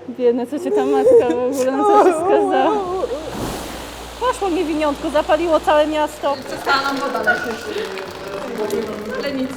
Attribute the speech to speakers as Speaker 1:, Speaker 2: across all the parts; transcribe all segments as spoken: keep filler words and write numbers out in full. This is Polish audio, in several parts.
Speaker 1: Biedne, co cię ta matka w ogóle na co się skazała. Poszło mi winiątko, zapaliło całe miasto.
Speaker 2: Przestała nam woda lecieć. Ale nic.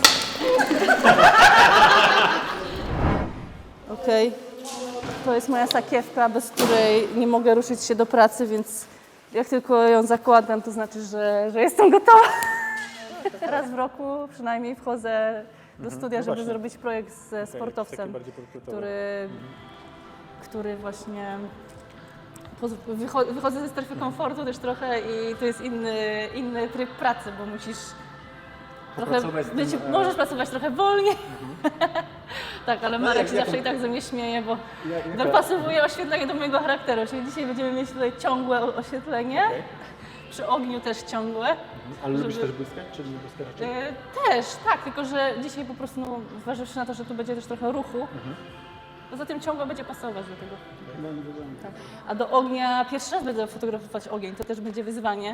Speaker 1: Okej, okay. To jest moja sakiewka, bez której nie mogę ruszyć się do pracy, więc jak tylko ją zakładam, to znaczy, że, że jestem gotowa. Raz w roku przynajmniej wchodzę do studia, żeby zrobić projekt ze sportowcem, który, który właśnie... Wychodzę ze strefy komfortu też trochę i to jest inny, inny tryb pracy, bo musisz trochę być, możesz pracować trochę wolniej. Mhm. Tak, ale Marek się zawsze i tak ze mnie śmieje, bo dopasowuje oświetlenie do mojego charakteru. Czyli dzisiaj będziemy mieć tutaj ciągłe oświetlenie, okay. Przy ogniu też ciągłe. Mhm.
Speaker 3: Ale żeby... lubisz też błyskać, czy nie błyska raczej?
Speaker 1: Yy, też, tak, tylko że dzisiaj po prostu, no, zważywszy na to, że tu będzie też trochę ruchu, mhm. Poza tym ciągle będzie pasować do tego.
Speaker 3: No, nie wygląda.
Speaker 1: Tak. A do ognia, pierwszy raz będę fotografować ogień, to też będzie wyzwanie.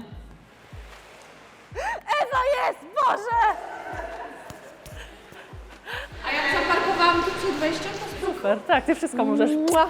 Speaker 1: Ewa jest! Boże!
Speaker 2: A jak zaparkowałam tu przed wejściem, to
Speaker 1: super, tak, ty wszystko możesz.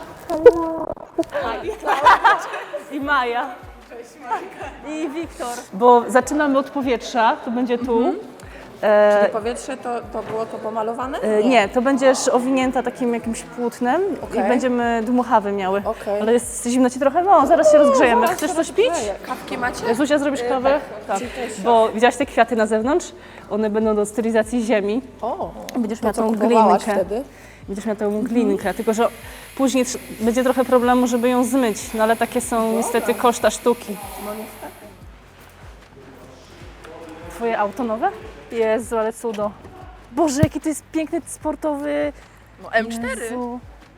Speaker 1: I Maja.
Speaker 4: Cześć Majka.
Speaker 1: I Wiktor. Bo zaczynamy od powietrza, to będzie tu. Mhm.
Speaker 4: E, Czyli powietrze to, to było to pomalowane?
Speaker 1: Nie. nie, to będziesz owinięta takim jakimś płótnem okay. I będziemy dmuchawy miały. Okay. Ale jest zimno ci trochę? No, zaraz się rozgrzejemy. Chcesz coś pić?
Speaker 4: Kawki macie?
Speaker 1: Zuzia, zrobisz kawę? Tak. tak. Bo widziałaś te kwiaty na zewnątrz? One będą do stylizacji ziemi.
Speaker 4: O,
Speaker 1: będziesz miała tą glinkę. Wtedy? Będziesz miała tą glinkę, mhm. Tylko że później będzie trochę problemu, żeby ją zmyć. No ale takie są Dobra. niestety koszta sztuki.
Speaker 4: No niestety.
Speaker 1: Twoje auto nowe? Jezu, ale cudo. Boże, jaki to jest piękny, sportowy...
Speaker 4: No M cztery.
Speaker 1: Jezu.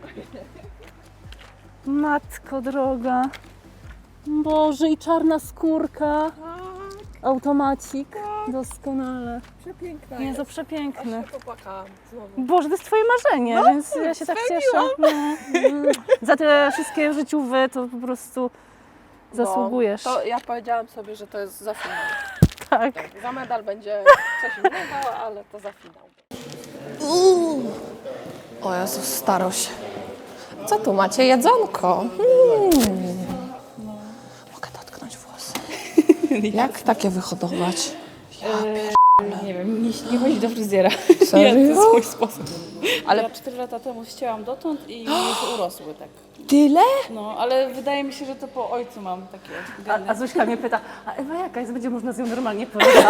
Speaker 1: Matko droga. Boże, i czarna skórka. Automacik. Doskonale.
Speaker 4: Przepiękna
Speaker 1: Jezu, przepiękny.
Speaker 4: Aż się popłakałam znowu.
Speaker 1: Boże, to jest twoje marzenie, no, więc ja się tak cieszę. No. Za te wszystkie życiowe to po prostu zasługujesz.
Speaker 4: No, to ja powiedziałam sobie, że to jest za finał.
Speaker 1: Tak.
Speaker 4: Tak. Za medal będzie coś innego, ale to za finał. Uuu. O Jezus, starość. Co tu macie? Jedzonko. Hmm. Mogę dotknąć włosy. Jak takie wyhodować? Ja
Speaker 5: Nie wiem, nie, nie chodzi do fryzjera.
Speaker 4: Serio?
Speaker 5: Ja, to jest mój sposób.
Speaker 4: Ale
Speaker 5: ja cztery lata temu ścięłam dotąd i już urosły tak.
Speaker 4: Tyle?
Speaker 5: No, ale wydaje mi się, że to po ojcu mam takie geny.
Speaker 1: A, a Zuśka mnie pyta, a Ewa jaka jest? Będzie można z nią normalnie porozmawiać?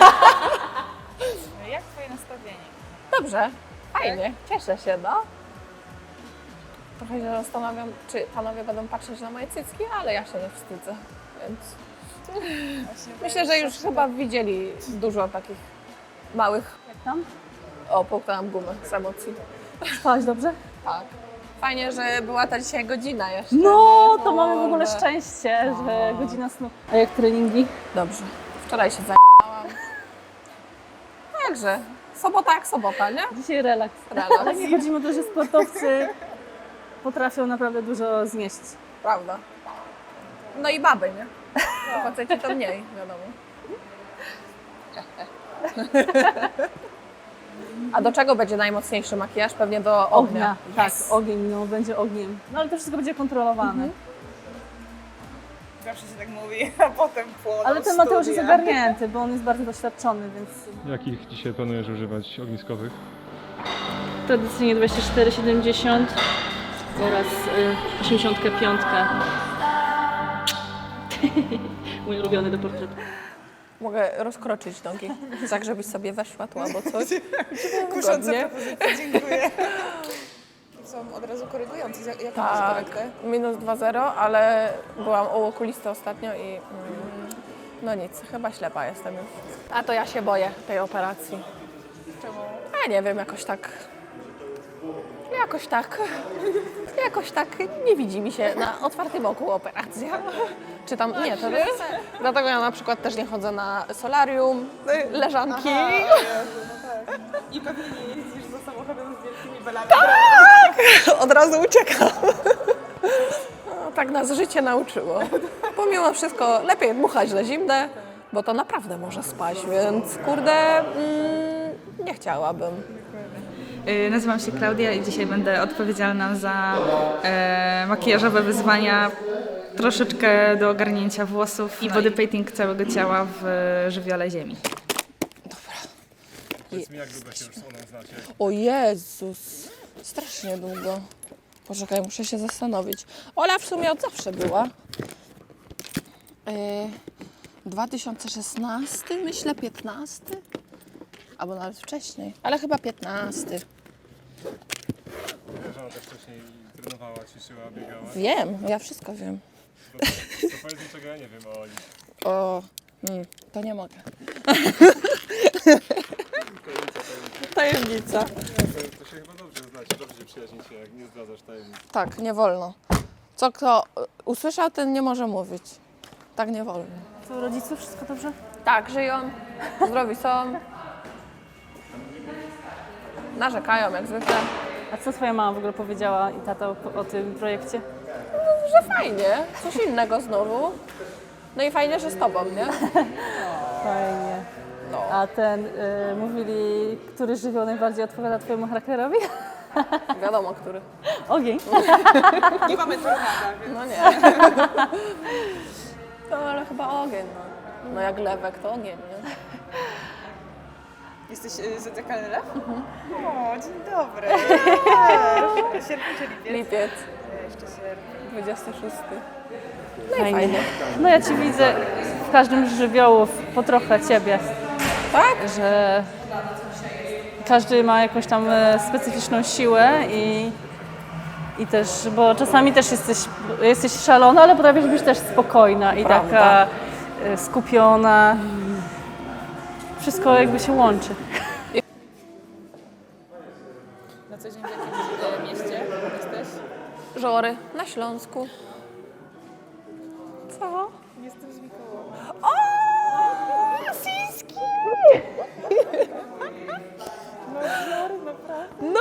Speaker 5: Jak twoje nastawienie?
Speaker 4: Dobrze, fajnie, cieszę się, no. Trochę się zastanawiam, czy panowie będą patrzeć na moje cycki, ale ja się nie wstydzę, więc... Myślę, że już chyba widzieli dużo takich małych...
Speaker 1: Jak tam?
Speaker 4: O, połknęłam gumę z emocji.
Speaker 1: Spałaś dobrze?
Speaker 4: Tak. Fajnie, że była ta dzisiaj godzina jeszcze.
Speaker 1: No, to mamy w ogóle szczęście, że godzina snu. A jak treningi?
Speaker 4: Dobrze. Wczoraj się zajęłam. Także, sobota jak sobota, nie?
Speaker 1: Dzisiaj relaks.
Speaker 4: Relaks.
Speaker 1: Ale nie chodzi o to, że sportowcy potrafią naprawdę dużo znieść.
Speaker 4: Prawda. No i baby, nie? No. Faceci to mniej, wiadomo. A do czego będzie najmocniejszy makijaż? Pewnie do ognia.
Speaker 1: Ognia, tak,
Speaker 4: Yes.
Speaker 1: ogień, no będzie ogniem. No ale to wszystko będzie kontrolowane. Mhm.
Speaker 4: Zawsze się tak mówi, a potem płoną
Speaker 1: Ale ten Mateusz jest ogarnięty, bo on jest bardzo doświadczony, więc...
Speaker 3: Jakich dzisiaj planujesz używać ogniskowych?
Speaker 1: Tradycyjnie dwadzieścia cztery siedemdziesiąt oraz y, osiemdziesiąt pięć. Mój ulubiony do portretu.
Speaker 4: Mogę rozkroczyć nogi, tak żebyś sobie weszła tu albo coś.
Speaker 6: Kusząca propozycja, dziękuję. Są od razu korygujące. Jaką masz
Speaker 4: Tak,
Speaker 6: korektę?
Speaker 4: minus dwa zero, ale byłam u okulisty ostatnio i mm, no nic, chyba ślepa jestem już. A to ja się boję tej operacji.
Speaker 6: Czemu?
Speaker 4: A nie wiem, jakoś tak, jakoś tak, jakoś tak nie widzi mi się na otwartym oku operacja. Czy tam, nie, to jest, dlatego ja na przykład też nie chodzę na solarium, leżanki.
Speaker 6: Aha, Jezu, no tak. I pewnie nie jeździsz za samochodem z wielkimi belami.
Speaker 4: Tak! Od razu uciekam. No, tak nas życie nauczyło. Pomimo wszystko lepiej dmuchać na zimne, bo to naprawdę może spaść, więc kurde, mm, nie chciałabym.
Speaker 7: Y, Nazywam się Klaudia i dzisiaj będę odpowiedzialna za e, makijażowe wyzwania, troszeczkę do ogarnięcia włosów i body painting całego ciała w e, żywiole ziemi.
Speaker 3: Powiedz mi, jak długo się już z Olą znacie?
Speaker 4: O Jezus, strasznie długo. Poczekaj, muszę się zastanowić. Ola w sumie od zawsze była. Yy, dwa tysiące szesnasty, myślę piętnasty. Albo nawet wcześniej, ale chyba piętnasty.
Speaker 3: Wiesz, że ona też wcześniej trenowała, ćwiczyła, biegała.
Speaker 4: Wiem, ja wszystko wiem.
Speaker 3: To, to powiedz mi, czego ja nie wiem o Oli.
Speaker 4: O, mm, to nie mogę. Tajemnica.
Speaker 3: To, to się chyba dobrze znacie, dobrze się przyjaźnicie, jak nie zdradzasz tajemnic.
Speaker 4: Tak, nie wolno. Co kto usłyszał, ten nie może mówić. Tak nie wolno.
Speaker 1: Co, u rodziców wszystko dobrze?
Speaker 4: Tak, żyją, zdrowi są. Narzekają jak zwykle.
Speaker 1: A co twoja mama w ogóle powiedziała i tata o, o tym projekcie?
Speaker 4: Że fajnie, coś innego znowu. No i fajnie, że z tobą, nie?
Speaker 1: Fajnie.
Speaker 4: No.
Speaker 1: A ten, y, mówili, który żywioł najbardziej odpowiada twojemu charakterowi?
Speaker 4: Wiadomo, który.
Speaker 1: Ogień.
Speaker 6: Nie mamy tornada, więc...
Speaker 4: No nie. No ale chyba ogień, no. No jak lewek, to ogień, nie?
Speaker 6: Jesteś y, zodiakalny lew? O, dzień dobry. Sierpień czy lipiec?
Speaker 4: Lipiec,
Speaker 6: Jeszcze sierpień.
Speaker 4: dwudziesty szósty.
Speaker 1: Fajnie. No ja ci widzę w każdym z żywiołów po trochę ciebie.
Speaker 4: Tak?
Speaker 1: Że każdy ma jakąś tam e, specyficzną siłę i, i też, bo czasami też jesteś, jesteś szalona, ale potrafisz być też spokojna i
Speaker 4: Prawda.
Speaker 1: taka e, skupiona. Wszystko jakby się łączy.
Speaker 6: Na co dzień w jakimś e, mieście jesteś?
Speaker 4: Żory na Śląsku. Co?
Speaker 6: Jestem z Mikołowa.
Speaker 4: O! Rosyjski! No!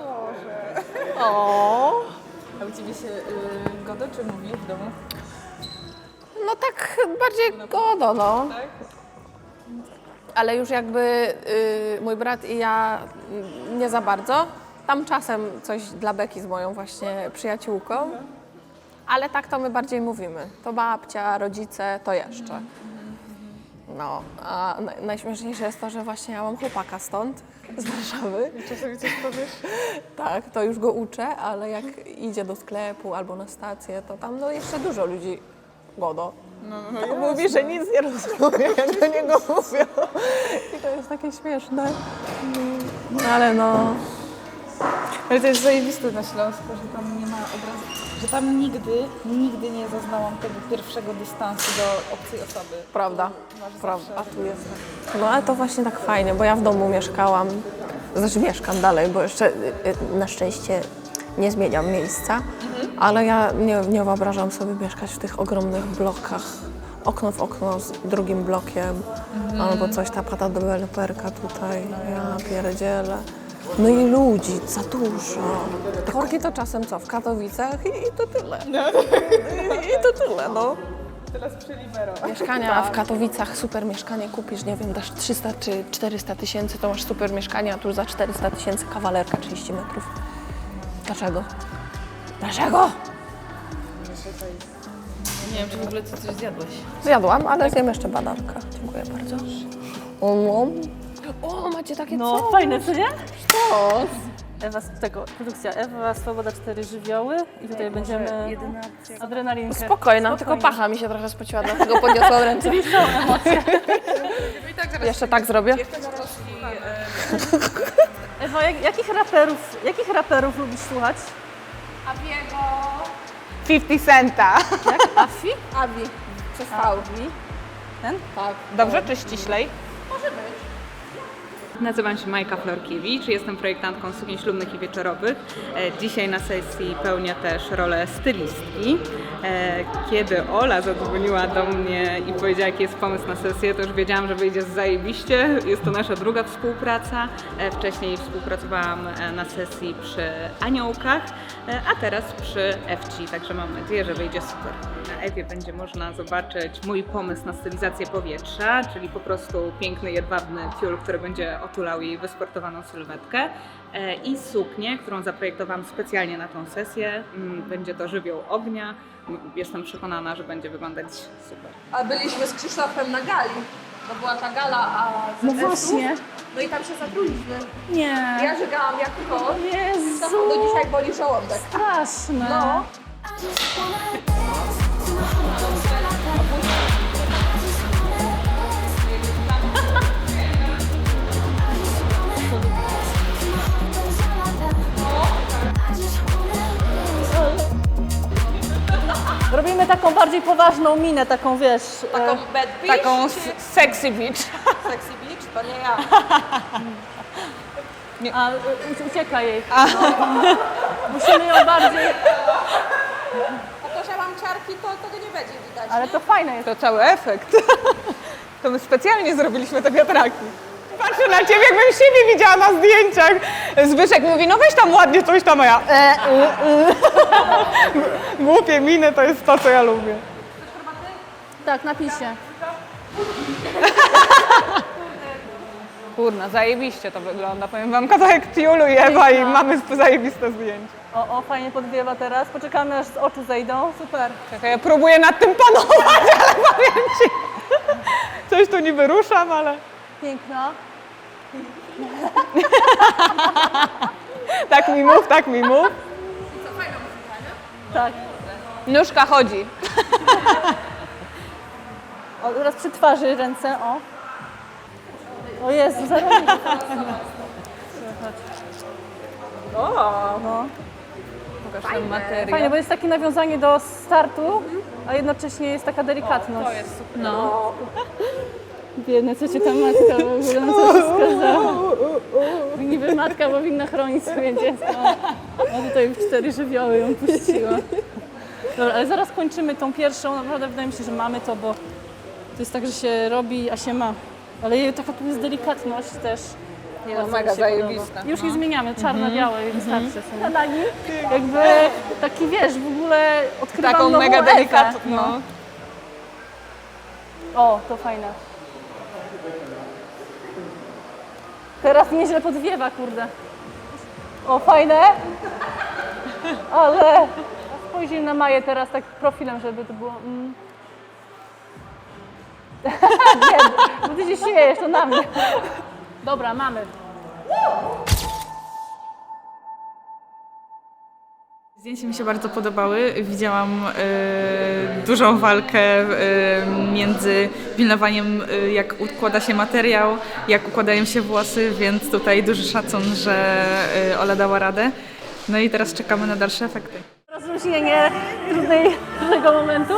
Speaker 4: O!
Speaker 6: A u Ciebie się y, godo czy mówi w domu?
Speaker 4: No tak bardziej godo, no.
Speaker 6: Tak?
Speaker 4: Ale już jakby y, mój brat i ja y, nie za bardzo. Tam czasem coś dla Beki z moją właśnie przyjaciółką. Ale tak to my bardziej mówimy. To babcia, rodzice, to jeszcze. No, a naj- najśmieszniejsze jest to, że właśnie ja mam chłopaka stąd, z Warszawy.
Speaker 6: Czasami coś powiesz?
Speaker 4: Tak, to już go uczę, ale jak idzie do sklepu albo na stację, to tam no jeszcze dużo ludzi godo.
Speaker 6: No, no,
Speaker 4: To mówi, że nic nie rozumie, jak do niego mówią. I to jest takie śmieszne. No ale no...
Speaker 6: Ale to jest zajebiste na Śląsku, że tam nie ma obrazu, że tam nigdy, nigdy nie zaznałam tego pierwszego dystansu do obcej osoby.
Speaker 4: Prawda,
Speaker 6: Masz
Speaker 4: prawda, a
Speaker 6: zawsze-
Speaker 4: tu jest. No ale to właśnie tak fajnie, bo ja w domu mieszkałam, znaczy mieszkam dalej, bo jeszcze y, y, na szczęście nie zmieniam miejsca, ale ja nie, nie wyobrażam sobie mieszkać w tych ogromnych blokach, okno w okno z drugim blokiem, albo coś, ta pata deweloperka tutaj, ja pierdzielę. No i ludzi, za dużo. Korki to czasem co, w Katowicach i, i to tyle. I, I to tyle, no.
Speaker 6: Teraz przy Libero.
Speaker 4: Mieszkania w Katowicach, super mieszkanie kupisz, nie wiem, dasz trzysta czy czterysta tysięcy, to masz super mieszkanie, a tu za czterysta tysięcy kawalerka trzydzieści metrów. Dlaczego? Dlaczego?
Speaker 5: Nie wiem, czy w ogóle ty coś zjadłeś.
Speaker 4: Zjadłam, ale zjem jeszcze badanka. Dziękuję bardzo. O, o macie takie
Speaker 1: No
Speaker 4: co?
Speaker 1: fajne, co nie?
Speaker 4: Co?
Speaker 1: Ewa, tego, produkcja Ewa, Swoboda, cztery żywioły i tutaj będziemy adrenalinkę.
Speaker 4: Spokojna, tylko pacha mi się trochę spociła, dlatego podniosłam ręce.
Speaker 1: Czyli są emocje.
Speaker 4: Jeszcze tak zrobię.
Speaker 1: Ewa, jak, jakich raperów, jakich raperów lubisz słuchać?
Speaker 6: fifty Centa.
Speaker 1: Jak? Afi?
Speaker 4: Abi, przez V.
Speaker 1: Afi. Ten?
Speaker 4: Tak.
Speaker 6: Dobrze czy ściślej?
Speaker 7: Nazywam się Majka Florkiewicz, jestem projektantką sukien ślubnych i wieczorowych. E, Dzisiaj na sesji pełnię też rolę stylistki. E, Kiedy Ola zadzwoniła do mnie i powiedziała, jaki jest pomysł na sesję, to już wiedziałam, że wyjdzie zajebiście. Jest to nasza druga współpraca. E, Wcześniej współpracowałam e, na sesji przy Aniołkach, e, a teraz przy F C, także mam nadzieję, że wyjdzie super. Na Ewie będzie można zobaczyć mój pomysł na stylizację powietrza, czyli po prostu piękny, jedwabny tiul, który będzie otulał jej wysportowaną sylwetkę e, i suknię, którą zaprojektowałam specjalnie na tą sesję. Mm, Będzie to żywioł ognia. Jestem przekonana, że będzie wyglądać super.
Speaker 4: A byliśmy z Krzysztofem na gali. To była ta gala, a z
Speaker 1: No
Speaker 4: S-ów.
Speaker 1: właśnie.
Speaker 4: No i tam się zatruliśmy.
Speaker 1: Nie.
Speaker 4: Ja żygałam jak to.
Speaker 1: Jezu.
Speaker 4: Do dzisiaj boli żołądek.
Speaker 1: Straszne.
Speaker 4: No.
Speaker 1: Robimy taką bardziej poważną minę, taką wiesz.
Speaker 4: Taką
Speaker 1: e,
Speaker 4: bad bitch?
Speaker 6: Taką s- sexy beach.
Speaker 4: Sexy bitch? To nie ja.
Speaker 1: A u- ucieka jej. No. Musimy ją bardziej.
Speaker 4: A to, że mam ciarki, to tego nie będzie widać.
Speaker 1: Ale to fajne jest.
Speaker 6: To cały efekt. To my specjalnie zrobiliśmy te wiatraki. Patrzę na ciebie, jakbym siebie widziała na zdjęciach. Zbyszek mówi, no weź tam ładnie coś tam, a ja... E, y, y. Głupie miny to jest to, co ja lubię.
Speaker 1: Tak, napisie.
Speaker 6: Kurna, zajebiście to wygląda. Powiem wam, kawałek tiulu i Ewa i mamy zajebiste zdjęcie.
Speaker 1: O, o, fajnie podwiewa teraz. Poczekamy, aż z oczu zejdą. Super.
Speaker 6: Czekaj, ja próbuję nad tym panować, ale powiem ci. Coś tu niby ruszam, ale...
Speaker 1: Piękna.
Speaker 6: Tak mi mów, tak mi mów.
Speaker 1: Tak.
Speaker 6: Nóżka chodzi.
Speaker 1: O, teraz przy twarzy ręce, o. O Jezu, zaraz.
Speaker 4: O,
Speaker 1: No.
Speaker 6: Pokaż ten materiał.
Speaker 1: Fajnie, bo jest takie nawiązanie do startu, a jednocześnie jest taka delikatność.
Speaker 6: To jest super.
Speaker 1: No. Biedne, co cię ta matka w ogóle na co się skazała. Niby matka powinna chronić swoje dziecko. A tutaj w cztery żywioły ją puściła. Dobra, ale zaraz kończymy tą pierwszą. Naprawdę wydaje mi się, że mamy to, bo to jest tak, że się robi, a się ma. Ale jej taka tu jest delikatność też.
Speaker 6: Nie,
Speaker 1: Bardzo
Speaker 6: no,
Speaker 1: mi
Speaker 6: mega
Speaker 1: się podoba.
Speaker 6: zajebista.
Speaker 1: Już nie zmieniamy, czarno-białe i wystarczy. Mm Na nim jakby taki, wiesz, w ogóle odkrywam
Speaker 6: Taką
Speaker 1: nową
Speaker 6: mega
Speaker 1: Ewę.
Speaker 6: delikatną.
Speaker 1: No. O, to fajne. Teraz nieźle podwiewa, kurde. O, fajne. Ale spojrzyj na Maję teraz tak profilem, żeby to było... Mm. Nie, bo ty się śmiejesz, to na mnie. Dobra, mamy.
Speaker 8: Zdjęcia mi się bardzo podobały. Widziałam e, dużą walkę e, między pilnowaniem, e, jak układa się materiał, jak układają się włosy, więc tutaj duży szacun, że e, Ola dała radę. No i teraz czekamy na dalsze efekty.
Speaker 1: Rozluźnienie trudnej, trudnego momentu.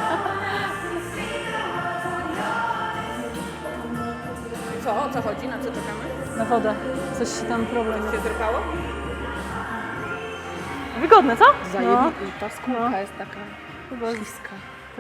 Speaker 4: co? O co chodzi? Na co czekamy?
Speaker 1: Na wodę. Coś się tam problem jest.
Speaker 4: Się zrypało?
Speaker 1: Wygodne, co? No.
Speaker 4: Ta skórka jest taka
Speaker 1: Chyba
Speaker 4: bliska.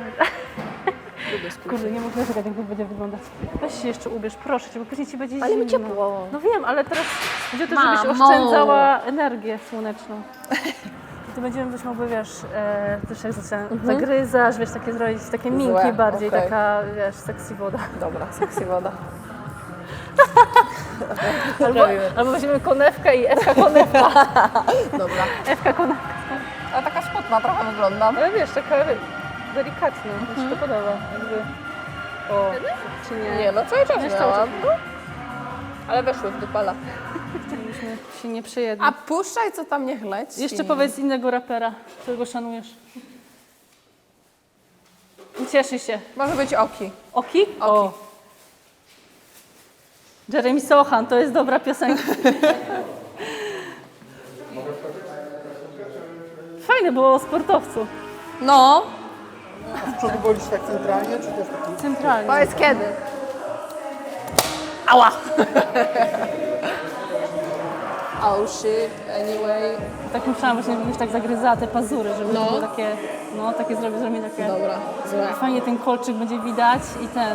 Speaker 1: Kurde, nie mogę czekać, jak to będzie wyglądać. Weź się jeszcze ubierz, proszę cię, bo później ci będzie
Speaker 4: Ale mi
Speaker 1: zimno.
Speaker 4: ciepło.
Speaker 1: No wiem, ale teraz będzie o to, żebyś
Speaker 4: Mamo.
Speaker 1: oszczędzała energię słoneczną. I tu będziemy coś mogły, wiesz, e, też jak zaczyna, zagryzasz, wiesz, takie zrobić, takie minki
Speaker 4: Złe,
Speaker 1: bardziej,
Speaker 4: okej.
Speaker 1: taka, wiesz, sexy woda.
Speaker 4: Dobra, sexy woda.
Speaker 1: Albo, albo weźmiemy konewkę i Ewka konewka.
Speaker 4: Dobra.
Speaker 1: Ewka konewka.
Speaker 4: Ale taka spotna trochę wyglądam.
Speaker 1: Ale wiesz, taka delikatna, mi się to podoba. Jakby. O, czy nie?
Speaker 4: Nie, no cały czas
Speaker 1: Wiesz, cały
Speaker 4: miałam.
Speaker 1: czas.
Speaker 4: No. Ale weszły w dupala.
Speaker 1: Żebyśmy się nie przejedli.
Speaker 4: A puszczaj, co tam niech leci.
Speaker 1: Jeszcze powiedz innego rapera, którego szanujesz. Cieszy się.
Speaker 4: Może być Oki.
Speaker 1: Oki? O. Jeremy Sohan, to jest dobra piosenka. Fajne było o sportowcu.
Speaker 4: No.
Speaker 9: przodu wolisz tak centralnie, czy też taki?
Speaker 1: Centralnie.
Speaker 4: Powiedz kiedy.
Speaker 1: Ała!
Speaker 4: Oh shit, anyway.
Speaker 1: Tak myślałam, że jakbyś tak zagryzała te pazury, żeby
Speaker 4: No.
Speaker 1: to było takie, no takie zrobię, zrobię takie.
Speaker 4: Dobra, złe.
Speaker 1: Fajnie ten kolczyk będzie widać i ten.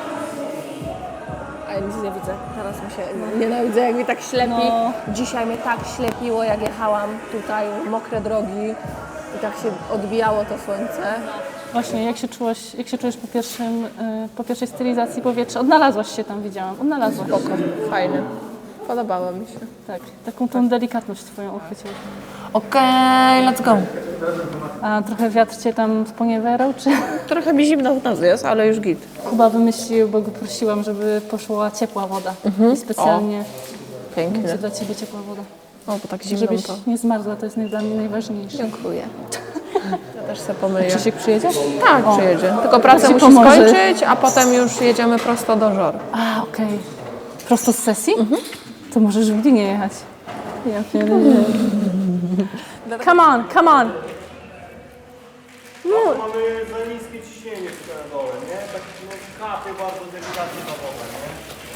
Speaker 4: A ja nic nie widzę. Teraz mi się nienawidzę, jak mi tak ślepi.
Speaker 1: No.
Speaker 4: Dzisiaj mnie tak ślepiło, jak jechałam tutaj, mokre drogi. I tak się odbijało to słońce.
Speaker 1: Właśnie, jak się czułaś, jak się czujesz po, pierwszym, y, po pierwszej stylizacji powietrza? Odnalazłaś się tam, widziałam. Odnalazłaś.
Speaker 4: Spoko, fajnie. Podobało mi się.
Speaker 1: Tak, taką tą delikatność twoją uchwyciłaś.
Speaker 4: Okej, let's go.
Speaker 1: A trochę wiatr cię tam sponiewierał, czy
Speaker 4: Trochę mi zimno w nos jest, ale już git.
Speaker 1: Kuba wymyślił, bo go prosiłam, żeby poszła ciepła woda. I specjalnie
Speaker 4: Pięknie.
Speaker 1: będzie dla ciebie ciepła woda.
Speaker 4: O, bo tak zimno
Speaker 1: Żebyś
Speaker 4: to.
Speaker 1: nie zmarzła, to jest naj- dla mnie najważniejsze.
Speaker 4: Dziękuję. Ja też sobie pomyję.
Speaker 1: Krzysiek przyjedzie?
Speaker 4: Tak, przyjedzie. Tylko pracę
Speaker 1: ci
Speaker 4: musi
Speaker 1: pomoże.
Speaker 4: skończyć, a potem już jedziemy prosto do Żor.
Speaker 1: A, okej. Prosto z sesji? To możesz w Gdynię jechać. Ja pierdolę. Come on, come on.
Speaker 9: Mamy za niskie ciśnienie w dole, nie? Tak no, kapie bardzo delikatnie na wodę, nie?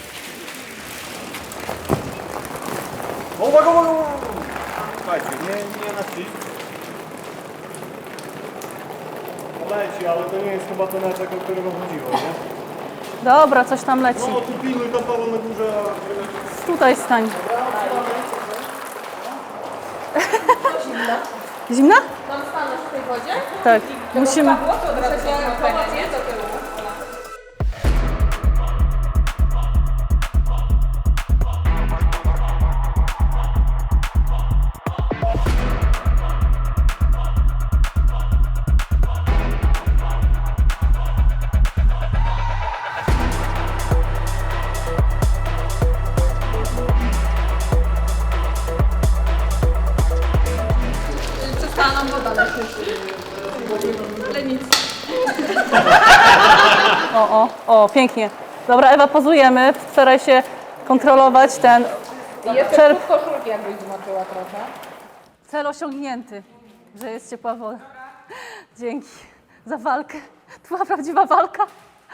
Speaker 9: Uwaga, uwaga, uwaga! Słuchajcie, nie, nie na ścisk. Leci, ale to nie jest chyba ten efekt, o którego chodziło, nie?
Speaker 1: Dobra, coś tam leci.
Speaker 9: No, tu pilnuj tam Paweł na górze, a...
Speaker 1: Tutaj stań. Zimna?
Speaker 4: Mam stanąć w tej wodzie?
Speaker 1: Tak. Musimy.
Speaker 4: Przestała nam woda lecieć. Ale nic.
Speaker 1: O, o, o, pięknie. Dobra, Ewa, pozujemy. Staraj się kontrolować ten.
Speaker 4: I jeszcze
Speaker 1: Czerp-
Speaker 4: w koszulki jakbyś zobaczyła trochę.
Speaker 1: Cel osiągnięty, że jest ciepła woda. Dzięki za walkę. To była prawdziwa walka.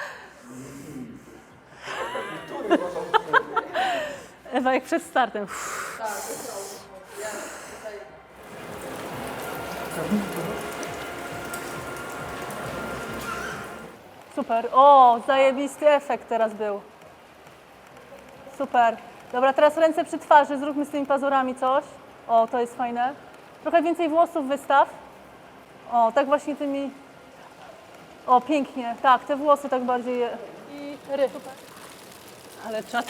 Speaker 1: Ewa, jak przed startem. Super. O, zajebisty efekt teraz był. Super. Dobra, teraz ręce przy twarzy. Zróbmy z tymi pazurami coś. O, to jest fajne. Trochę więcej włosów wystaw. O, tak właśnie tymi... O, pięknie. Tak, te włosy tak bardziej... je- I ry. Super. Ale czat.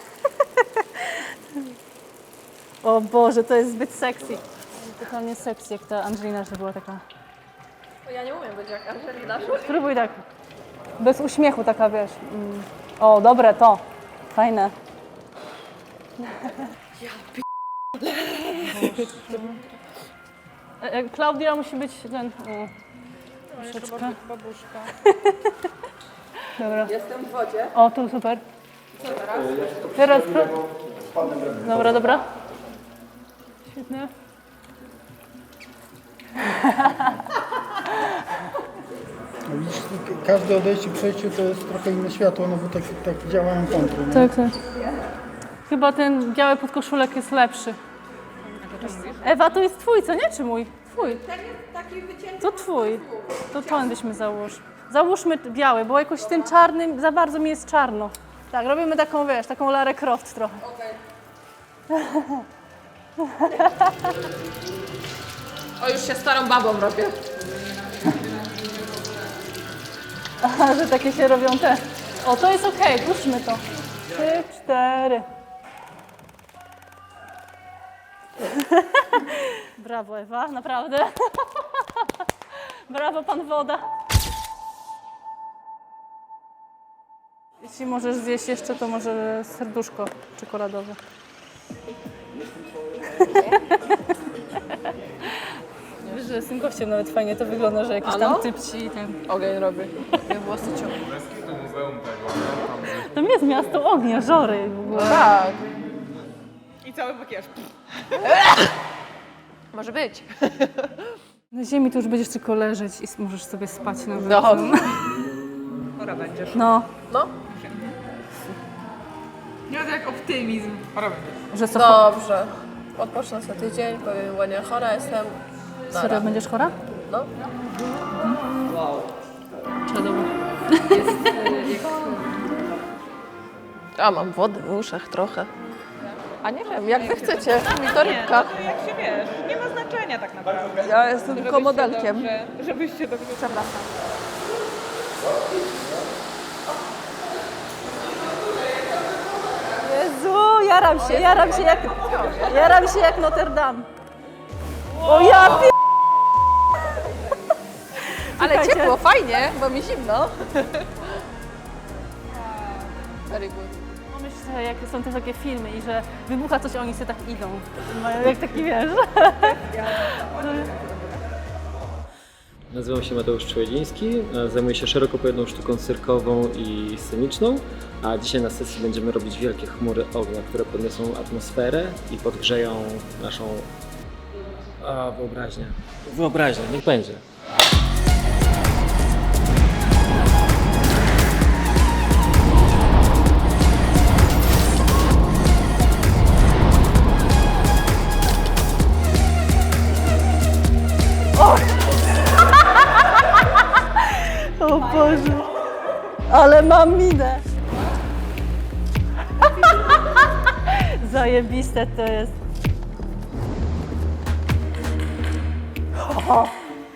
Speaker 1: O Boże, to jest zbyt sexy. Totalnie sexy, jak ta Angelina, że była taka...
Speaker 4: Ja nie umiem być jak Angelina.
Speaker 1: Spróbuj tak. Bez uśmiechu taka, wiesz. Mm. O, dobre to. Fajne. Ja p***le. Klaudia musi być ten... O, troszeczkę.
Speaker 5: Babuszka.
Speaker 1: Dobra.
Speaker 4: Jestem w wodzie.
Speaker 1: O, tu super.
Speaker 4: Co teraz?
Speaker 1: Teraz... Dobra, dobra. Świetnie.
Speaker 9: Widzisz, każde odejście, przejście to jest trochę inne światło, no bo tak, tak działają kontry, nie?
Speaker 1: Tak, tak. Chyba ten biały podkoszulek jest lepszy. Ewa, to jest twój, co nie? Czy mój? Twój. To twój. To ten byśmy załóż. Załóżmy biały, bo jakoś tym czarnym za bardzo mi jest czarno. Tak, robimy taką, wiesz, taką Larę Croft trochę.
Speaker 4: O, już się starą babą robię.
Speaker 1: Aha, że takie się robią te. O, to jest okej, puszczmy to. Trzy, cztery. Brawo, Ewa, naprawdę. Brawo, pan woda. Jeśli możesz zjeść jeszcze, to może serduszko czekoladowe. Wiesz, że z tym gościem nawet fajnie to wygląda, że jakiś tam typ ci ten...
Speaker 4: Ogień robi. Ja włosy ciągnę.
Speaker 1: Tam jest miasto ognia, Żory w ogóle.
Speaker 4: Tak.
Speaker 6: I cały makijaż.
Speaker 4: Może być.
Speaker 1: Na ziemi to już będziesz tylko leżeć i możesz sobie spać na
Speaker 4: No.
Speaker 7: Chora będziesz.
Speaker 1: No,
Speaker 4: No.
Speaker 6: Nie ma jak optymizm. Chora będziesz.
Speaker 1: że co,
Speaker 4: Dobrze. Odpocznę sobie tydzień, powiem ładnie chora jestem.
Speaker 1: serio będziesz chora?
Speaker 4: No.
Speaker 1: Czadowo.
Speaker 4: A mam wody w uszach trochę. A nie wiem, jak wy chcecie. Mi to rybka.
Speaker 7: Jak się wiesz, nie ma
Speaker 6: ma znaczenia tak naprawdę.
Speaker 4: Ja jestem tylko
Speaker 6: Żebyście
Speaker 4: modelkiem.
Speaker 6: Dobrze, żebyście dobrze...
Speaker 4: Przepraszam.
Speaker 1: Jezu, jaram się, jaram się jak, jaram się jak Notre Dame. O ja pi...
Speaker 4: Ale
Speaker 1: Czekajcie.
Speaker 4: ciepło, fajnie, bo mi zimno. Very good.
Speaker 1: Myślę, że jak są te takie filmy i że wybucha coś, a oni sobie tak idą. Mają jak taki, wiesz.
Speaker 10: Nazywam się Mateusz Człowieliński, zajmuję się szeroko pojętą sztuką cyrkową i sceniczną, a dzisiaj na sesji będziemy robić wielkie chmury ognia, które podniosą atmosferę i podgrzeją naszą a, wyobraźnię. Wyobraźnię, niech będzie.
Speaker 1: O Boże, ale mam minę. Zajebiste to jest. O.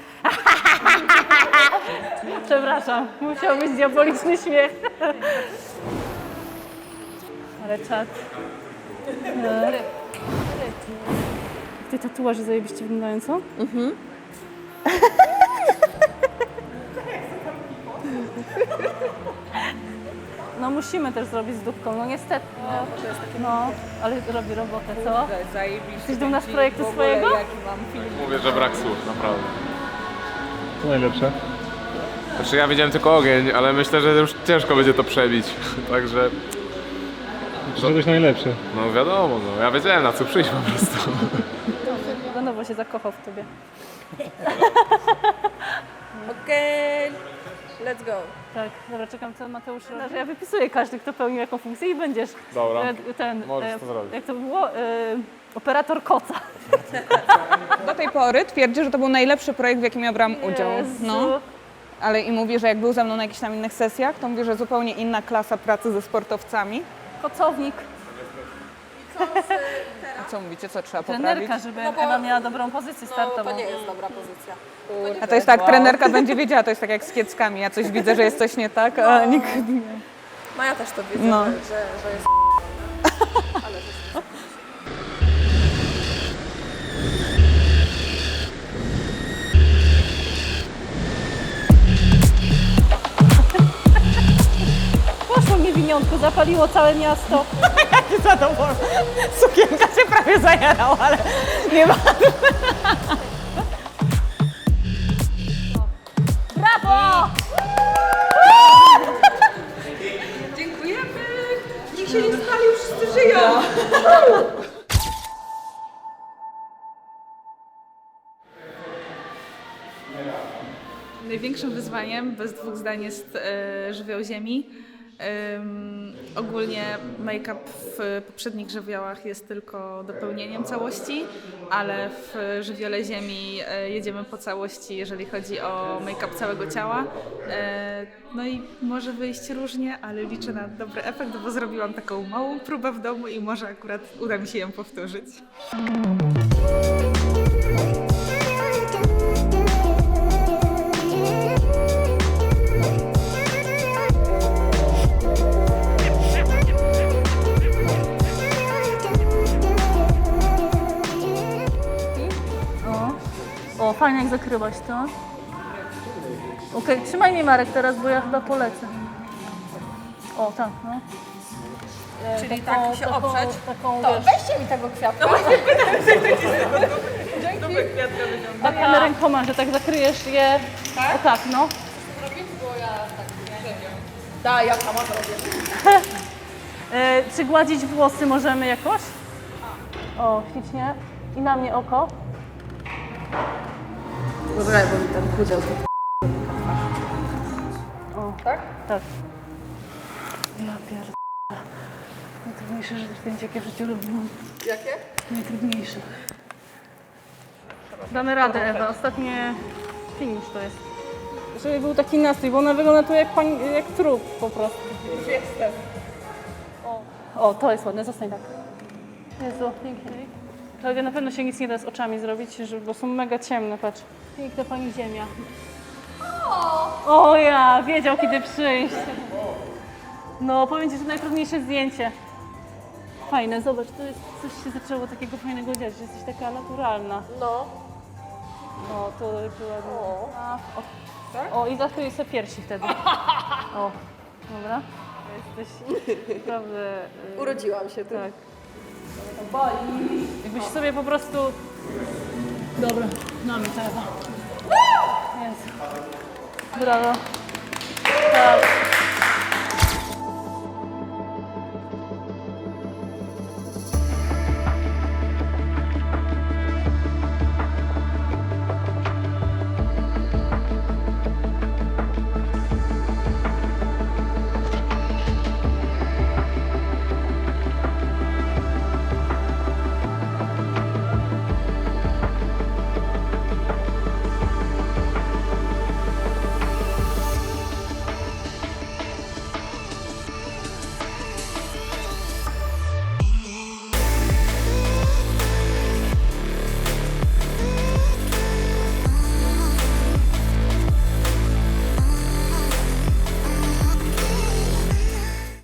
Speaker 1: Przepraszam, musiał być diaboliczny śmiech. Ale czad. E. Te tatuaże zajebiście wyglądają, co? Mhm. No musimy też zrobić z dupką, no niestety. No, to jest takie, no, ale robi robotę, co?
Speaker 6: Zajebiście.
Speaker 1: Jesteś dumna z projektu swojego?
Speaker 6: Jaki mam film.
Speaker 3: Mówię, że brak słów, naprawdę. Co najlepsze? Znaczy ja widziałem tylko ogień, ale myślę, że już ciężko będzie to przebić, także...
Speaker 11: Czegoś najlepsze.
Speaker 3: No wiadomo, no ja wiedziałem na co przyjść po prostu.
Speaker 1: Lenowo się zakochał w tobie.
Speaker 4: Okej, let's go.
Speaker 1: Tak, dobra, czekam co Mateusz robi. Ja wypisuję każdy, kto pełnił jaką funkcję i będziesz
Speaker 3: Dobra,
Speaker 1: e, ten,
Speaker 3: możesz
Speaker 1: e,
Speaker 3: to zrobić.
Speaker 1: jak to było, e, operator koca.
Speaker 6: Do tej pory twierdzi, że to był najlepszy projekt, w jakim ja brałam udział.
Speaker 1: Jezu.
Speaker 6: No. Ale i mówi, że jak był ze mną na jakichś tam innych sesjach, to mówi, że zupełnie inna klasa pracy ze sportowcami.
Speaker 1: Kocownik,
Speaker 6: A co mówicie, co trzeba poprawić?
Speaker 1: trenerka, żeby Ewa miała dobrą pozycję startową.
Speaker 4: To nie jest dobra pozycja.
Speaker 6: A to jest tak, trenerka będzie wiedziała, to jest tak jak z kieckami. Ja coś widzę, że jest coś nie tak, a nikt nie.
Speaker 4: Maja też to widzę,
Speaker 6: No.
Speaker 4: że, że jest...
Speaker 1: Poszło niewiniątko, zapaliło całe miasto.
Speaker 6: Jaki zadowolony. Sukienka się prawie zajarała, ale nie ma.
Speaker 1: Brawo!
Speaker 6: Dziękujemy. Nikt się nie spalił, wszyscy żyją.
Speaker 8: Największym wyzwaniem, bez dwóch zdań, jest e, żywioł ziemi. Ym, ogólnie make-up w poprzednich żywiołach jest tylko dopełnieniem całości, ale w żywiole ziemi e, jedziemy po całości, jeżeli chodzi o make-up całego ciała. E, no i może wyjść różnie, ale liczę na dobry efekt, bo zrobiłam taką małą próbę w domu i może akurat uda mi się ją powtórzyć.
Speaker 1: O, fajnie jak zakryłaś to. Okej, trzymaj mnie Marek teraz, bo ja chyba polecę. O, tak, no. E,
Speaker 4: Czyli
Speaker 1: taką-
Speaker 4: tak się
Speaker 1: taką-
Speaker 4: oprzeć.
Speaker 1: Taką,
Speaker 4: To
Speaker 1: wiesz,
Speaker 4: weźcie mi tego kwiatka.
Speaker 1: takimi rękoma, że tak zakryjesz je. Tak? O tak, no.
Speaker 4: Da, ja sama to robię.
Speaker 1: E, czy gładzić włosy możemy jakoś? O, ślicznie. I na mnie oko.
Speaker 4: Dobra, bo mi ten chudział to.
Speaker 1: O, tak? Tak. Ja pierdolę. Najtrudniejsze zdjęcie, jakie w życiu robiłam.
Speaker 4: Jakie?
Speaker 1: Najtrudniejsze. Damy radę, Ewa. Ostatnie finish to jest. Żeby był taki nastrój, bo ona wygląda tu jak, pań, jak trup po prostu.
Speaker 4: Już jestem.
Speaker 1: O, o, to jest ładne, zostań tak. Jezu, pięknie. Klaudia, na pewno się nic nie da z oczami zrobić, żeby- bo są mega ciemne, patrz. Piękna pani ziemia. O ja, wiedział kiedy przyjść. No, powiem ci, że najtrudniejsze zdjęcie. Fajne, zobacz, to jest, coś się zaczęło takiego fajnego dziać, że jesteś taka naturalna.
Speaker 4: No.
Speaker 1: O, to była... A, o, o, i zakryj sobie piersi wtedy. O, dobra. Jesteś naprawdę... y,
Speaker 4: Urodziłam się tu.
Speaker 1: Tak. Jakbyś sobie po prostu... Dobra, mamy telefon. Jest. Brawo. Tak.